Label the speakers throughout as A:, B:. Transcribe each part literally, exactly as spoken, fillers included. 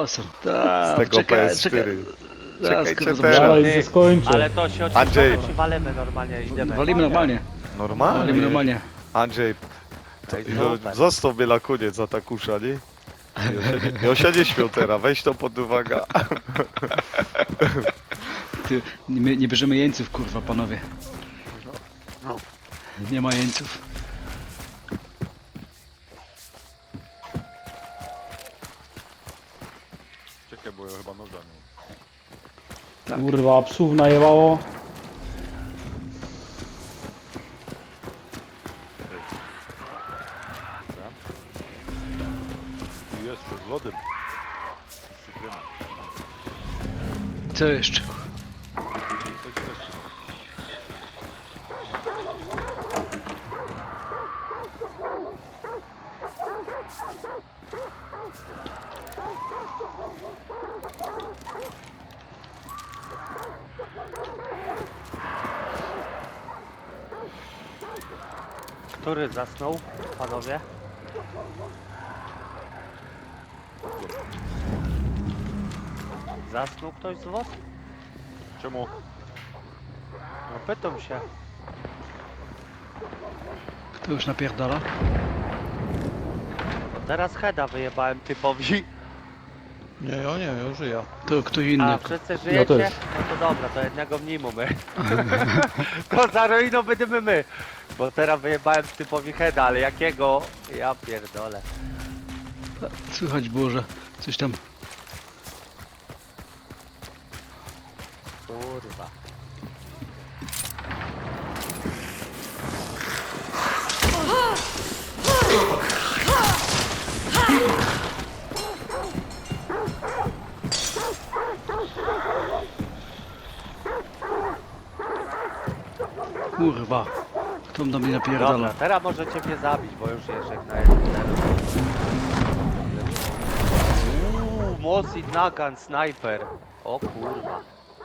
A: czasem.
B: Ta,
C: Z tego
B: czekaj,
C: P S cztery.
B: Zaraz,
C: Czekajcie
B: kurwa,
C: teraz.
D: Dalej
B: zobaczymy.
D: się skończy.
E: Ale to się
C: Andrzej.
E: oczywiście czy walimy normalnie, idziemy.
B: Walimy normalnie. Walimy
C: Normalnie.
B: normalnie.
C: Andrzej,
E: Ej,
C: no,
E: super.
C: zostaw mnie na koniec za ta kusza, nie? Ja się nie, ja się nie śmiał teraz, weź to pod uwagę.
B: Ty, nie, nie bierzemy jeńców, kurwa, panowie.
C: No.
B: Nie ma jeńców.
F: Czekaj, bo ja chyba noga nie.
D: Kurwa, psów najebało.
F: Tu jest z lodem. Z cytryną.
B: Co jeszcze?
F: Coś też.
E: Który zasnął, panowie? Zasnął ktoś z was?
F: Czemu?
E: No pytam się.
B: Kto już napierdala?
E: No teraz heada wyjebałem typowi.
G: Nie, ja nie, ja żyję.
B: To kto inny.
E: A wszyscy żyjecie?
D: też.
E: No to dobra, to jednego mniej mamy. To za ruiną będziemy my. Bo teraz wyjebałem typowi heada, ale jakiego? Ja pierdolę.
B: Słychać było, że coś tam.
E: Kurwa.
B: Kurwa. Kto do mnie
E: Dobra,
B: napierdala?
E: teraz możecie mnie zabić, bo już jest jak na jeden. Uuu, Mosid Nagan, snajper. O kurwa.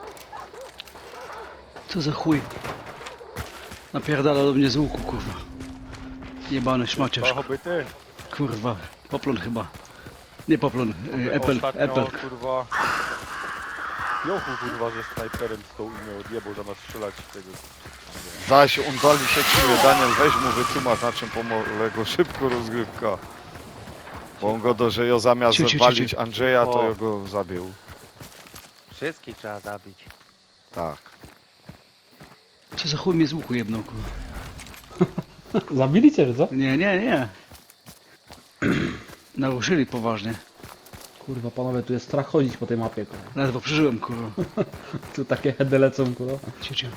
B: Co za chuj? Napierdala do mnie z łuku, kurwa. Jebany szmaciarz.
F: To hobby ty.
B: Kurwa. Poplon chyba. Nie poplon. y, Apple.
F: Ostatnio,
B: Apple.
F: kurwa. Jochu kurwa, że snajperem z tą imię odjebał zamiast strzelać z tego.
C: Zaś on dali się czuje, Daniel, weź mu wytłumacz na czym polega szybko rozgrywka. Bo on go do, że ja zamiast
B: Ciu, ciu, ciu,
C: walić
B: ciu.
C: Andrzeja, to
E: O.
C: ja go zabił.
E: Wszystkich trzeba zabić.
C: Tak.
B: Co za chuj mnie z łuku jebnął, kurwa.
D: Zabili cię, czy co?
B: Nie, nie, nie. Naruszyli poważnie.
D: Kurwa, panowie, tu jest strach chodzić po tej mapie, kurwa.
B: Ledwo przeżyłem, kurwa.
D: Tu takie heady lecą, kurwa.
B: Ciu, ciu.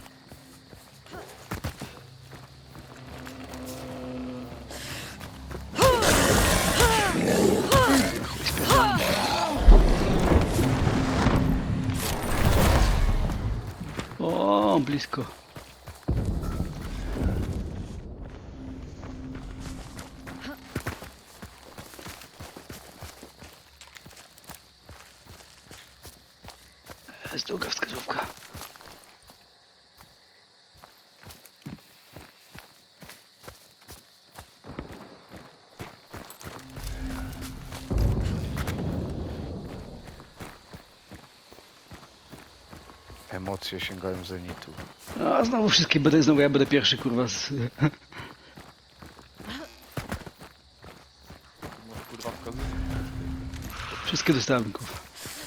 B: Chuj, spierdalam. O, blisko. Jest długa wskazówka.
C: Emocje sięgają zenitu.
B: A znowu wszystkie będę, znowu ja będę pierwszy, kurwa. Z...
F: Może kurwa wskazuje.
B: Wszystkie dostałem, kurwa.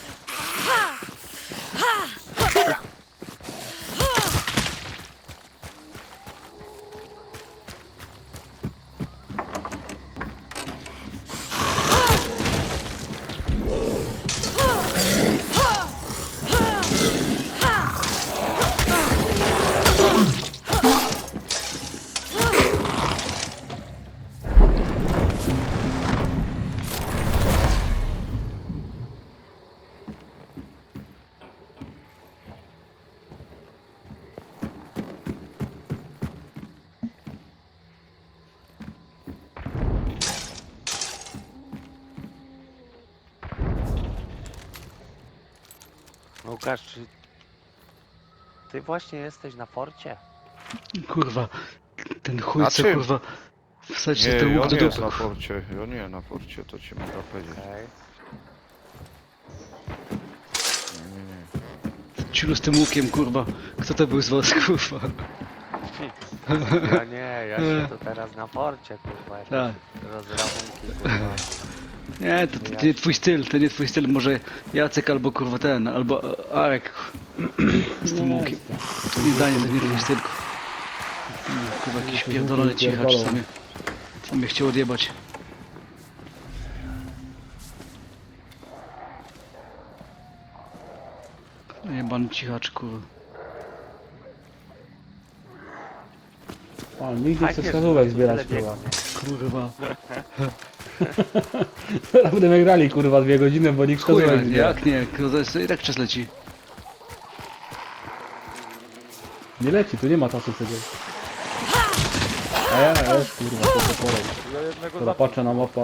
E: Łukasz, czy ty właśnie jesteś na forcie?
B: Kurwa. Ten chuj
C: Na
B: co,
C: czym?
B: kurwa. Wsadź
C: Nie,
B: ten łuk
C: on
B: do
C: nie jest
B: dupy.
C: na porcie. Ja nie na porcie, to ci mogę powiedzieć.
E: Okej.
B: Ciulu z tym łukiem, kurwa. Kto to był z was, kurwa?
E: Ja nie, ja się tu teraz na porcie, kurwa, jakieś
B: Tak.
E: rozrachunki, kurwa.
B: Nie, to, to, to nie twój styl, to nie twój styl. Może Jacek albo kurwa ten, albo e, Arek. Z tym łukiem. To nie zdanie, to nie twój styl. Kurwa, jakiś pierdolony cichacz, co mnie, co mnie chciał odjebać. Jebany cichacz, kurwa.
D: A, nigdy
E: Fajnie,
D: chcę
E: że
D: wskazówek
E: tu
D: zbierać,
E: tyle
D: kurwa.
B: Kurwa.
D: Teraz będziemy grali, kurwa, dwie godziny, bo nikt
B: Chuj,
D: wskazówek zbiera.
B: jak nie, kurwa, to jest- i tak czas leci.
D: Nie leci, tu nie ma czasu przecież. A ja, ja już, kurwa, to co porę.
F: Ja jednego
D: Dobra,
F: zabiję.
D: patrzę na mapa.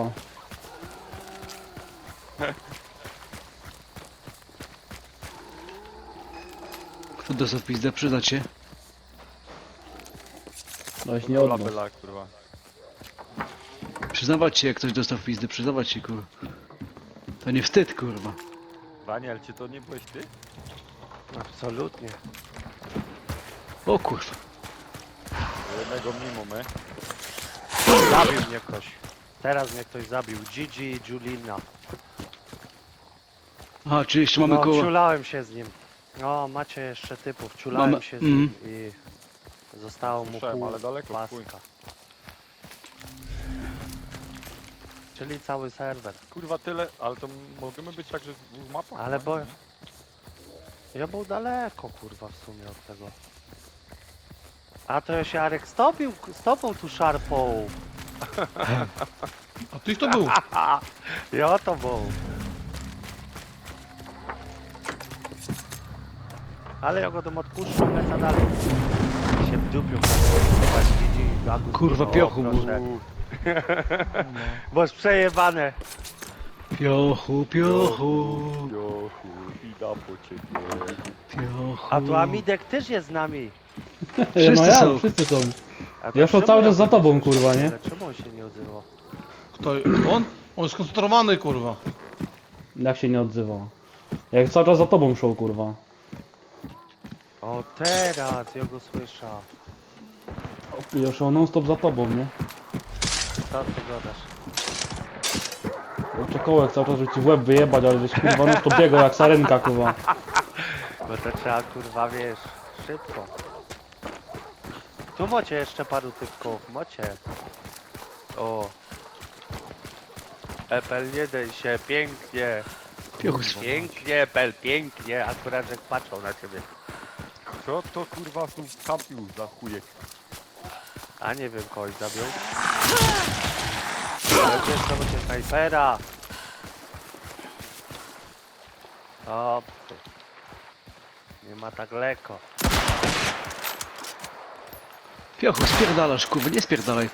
B: Kto dostał w pizdę, przyznać się.
D: Noś nie od nas.
F: Labela, kurwa.
B: Przyznawać się, jak ktoś dostał w pizdę, przyznawać się, kurwa. To nie wstyd, kurwa.
F: Daniel, czy to nie byłeś ty?
E: Absolutnie.
B: O kurwa.
F: Jednego mimo my.
E: Zabił mnie ktoś. Teraz mnie ktoś zabił. Gigi i Julina.
B: Aha, czy jeszcze mamy
E: No,
B: koło...
E: ciulałem się z nim. No, macie jeszcze typów. Ciulałem
B: Mamy-
E: się z nim
B: mhm.
E: i zostało mu
F: Słyszałem,
E: pół
F: ale daleko, chuj.
E: paska. Czyli cały serwer.
F: Kurwa tyle, ale to możemy być także w dwóch mapach?
E: Ale
F: no?
E: bo... Ja był daleko, kurwa, w sumie od tego. A to ja się Arek stopił, z tobą tu szarpą.
G: A ty kto był?
E: Ja to był. Ale ja go tam odpuszczę, lecę dalej. Się w dupiu. Zobacz, widzi, Agus,
B: Kurwa,
E: o,
B: piochu mu.
E: proszę. Boż przejebane.
B: Piochu, piochu,
F: Jochu, idę po ciebie.
B: piochu.
E: A tu Amidek też jest z nami.
B: Wszyscy
D: no ja,
B: są.
D: wszyscy są.
E: A to
D: Ja szło
E: czemu
D: cały czas
E: ja-
D: za tobą, kurwa, nie?
E: Ale czemu on się nie odzywał?
G: Kto? On? On jest skoncentrowany, kurwa.
D: Jak się nie odzywa? Jak cały czas za tobą szło, kurwa.
E: O, teraz ja go słyszę.
D: Ja szło non stop za tobą, nie?
E: Co ty gadasz?
D: Czekołek cały czas, żeby ci w łeb wyjebać, ale żeś kurwa non stop biegał jak sarenka, kurwa.
E: Bo to trzeba, kurwa, wiesz, szybko. Tu macie jeszcze paru typków, macie. O. Epel, nie daj się, pięknie.
B: Piochu.
E: Pięknie, Epel, pięknie. Akurat, że patrzą na ciebie.
F: Kto to kurwa tu kampił za chujek?
E: A nie wiem, kogoś zabił. Ale wiesz, to będzie snajpera. O, ty. Nie ma tak lekko.
B: Piochu, spierdalasz, kurwa, nie spierdalaj.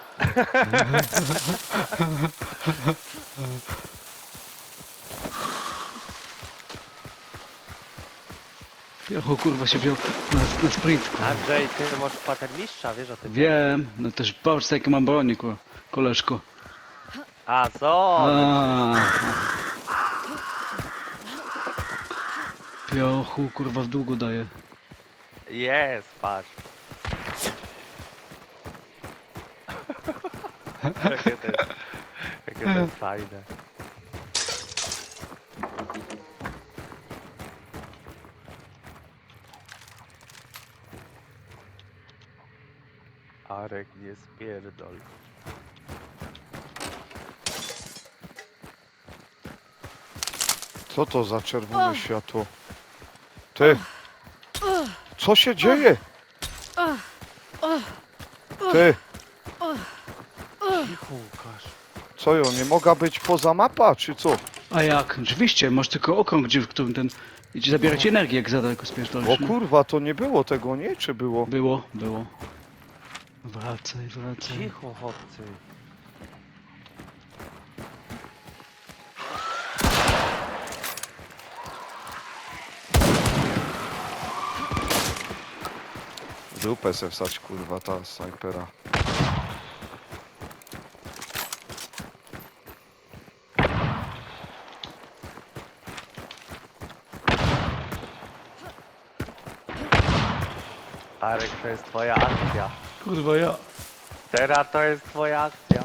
B: Piochu, kurwa, się wziął na, na sprint, kurwa.
E: Andrzej, ty masz patermistrza, wiesz o tym?
B: Wiem, no też patrz, jakie mam broni, kurwa, koleżko.
E: A, co?
B: A. Piochu, kurwa, w długo daje.
E: Jest, patrz. Jakie to jest, jakie to jest fajne. Arek, nie spierdol.
C: Co to za czerwone światło? Ty! Co się dzieje? Ty!
E: Cicho, Łukasz.
C: Co ją, nie mogła być poza mapa, czy co?
B: A jak? Oczywiście, masz tylko okrąg, gdzie w którym ten... I ci zabierać energię, jak za daleko
C: O
B: spierdolisz, no.
C: kurwa, to nie było tego, nie? Czy było?
B: Było, było. Wracaj, wracaj.
E: Cicho, chłopcy.
C: Dupę se wsać, kurwa, ta snajpera.
E: Arek, to jest twoja akcja.
G: Kurwa ja.
E: Teraz to jest twoja akcja.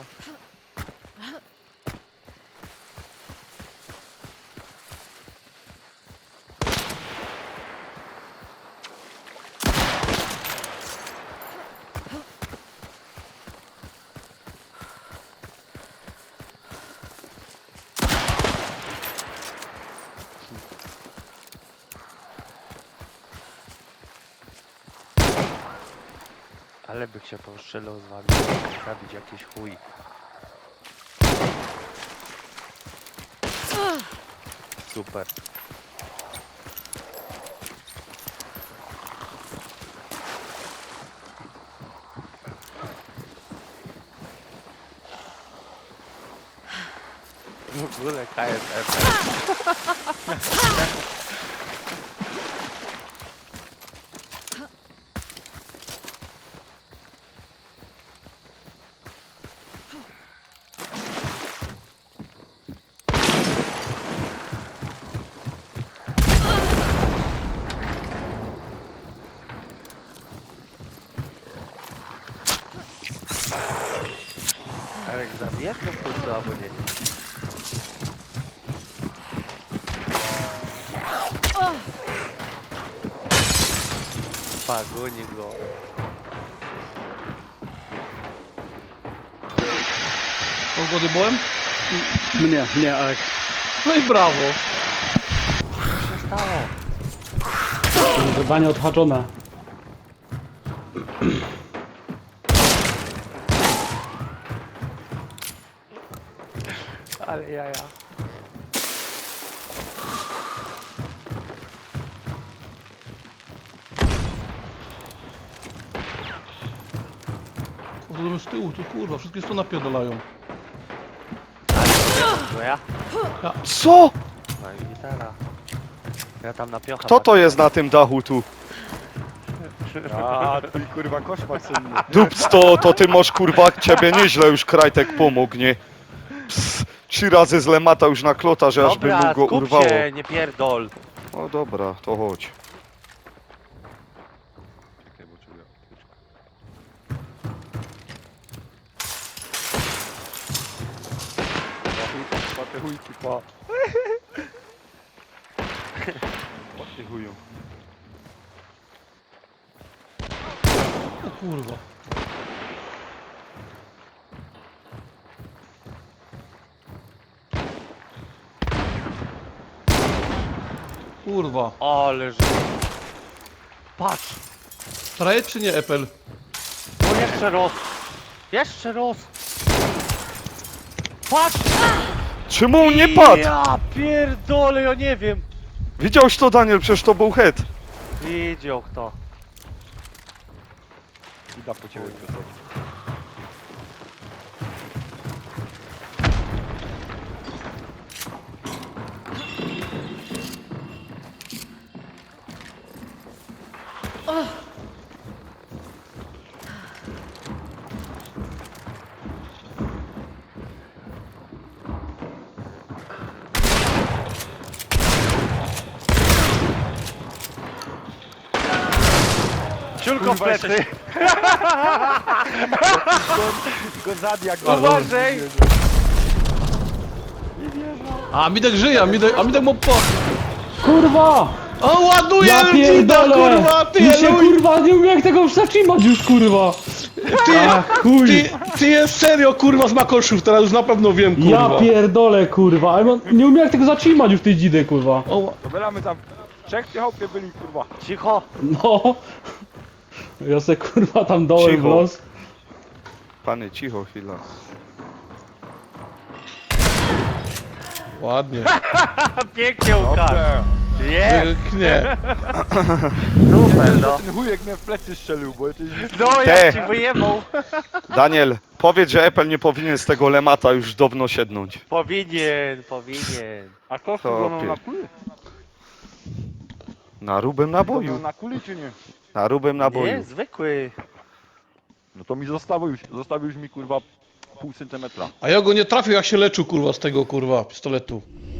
E: Ale bych się postrzelał z wami, zabić jakiś chuj. Super. W ogóle K S F. Arek, zabijesz go w końcu albo nie? Pagoni go.
G: Kogo odjebałem?
B: Mnie, mnie, Arek.
G: No i brawo.
E: Co się stało?
D: Zadanie odhaczone.
E: Ale jaja.
G: Kurde, z tyłu, tu kurwa, wszystkie sto napierdalają.
E: No ja?
C: Co?
E: No i gitara. Ja tam na piocha.
C: Kto to jest na tym dachu tu?
F: A, twój kurwa koszmar senny.
C: Dups, to, to ty masz kurwa, ciebie nieźle już Krajtek pomógł, nie? Ps, trzy razy z lemata już na klota, że aż by
E: Dobra,
C: mu go
E: skup
C: urwało.
E: się, nie pierdol.
C: No dobra, to chodź.
F: Czekaj, bo czuję apteczkę. Pa te chujki, pa. Pa te chuju.
G: O kurwa. Kurwa.
E: Ale że... Patrz!
G: Trajet czy nie Apple?
E: No jeszcze roz! Jeszcze roz! Patrz!
C: Czemu on nie padł?
E: Ja pierdolę, ja nie wiem!
C: Widziałeś to, Daniel? Przecież to był head.
E: Widział kto.
F: Ida po ciebie piosenki.
E: Ciulko w plecy!
F: Go zabija, go
E: Uważaj!
G: A Midek żyje, a Midek, a Midek mu po...
D: Kurwa!
G: O, ładuje
D: Ja
G: Elcida,
D: pierdolę!
G: kurwa, ty,
D: Mi się
G: Eluj!
D: kurwa nie umiem jak tego zatrzymać już kurwa!
G: Ty,
D: Ach, chuj!
G: ty, ty jest serio, kurwa, z Makoszów, teraz już na pewno wiem, kurwa.
D: Ja pierdolę kurwa, ale on nie umiem jak tego zatrzymać już tej dzidy kurwa.
G: O,
F: To bylamy tam trzech piechałkę byli, kurwa.
E: Cicho!
D: No. Ja se kurwa tam dołem w
C: Cicho.
D: los.
C: Panie, cicho chwila.
G: ładnie.
E: Pięknie Łukasz!
F: Dobrze.
E: Jest!
G: Nie.
E: Super no!
F: Ten chujek mnie w plecy strzelił, bo to jest...
E: No
C: Te.
E: jak ci wyjebał!
C: Daniel, powiedz, że Apple nie powinien z tego lemata już dawno siednąć.
E: Powinien, powinien.
F: A to
C: To
F: wygląda na
C: pie-
F: kuli?
C: Na rubym naboju.
F: Na kuli czy nie?
C: Na rubym naboju.
E: Nie, zwykły.
F: No to mi zostawił już, zostawił już mi kurwa pół centymetra.
G: A ja go nie trafił, jak się leczył, kurwa, z tego, kurwa, pistoletu.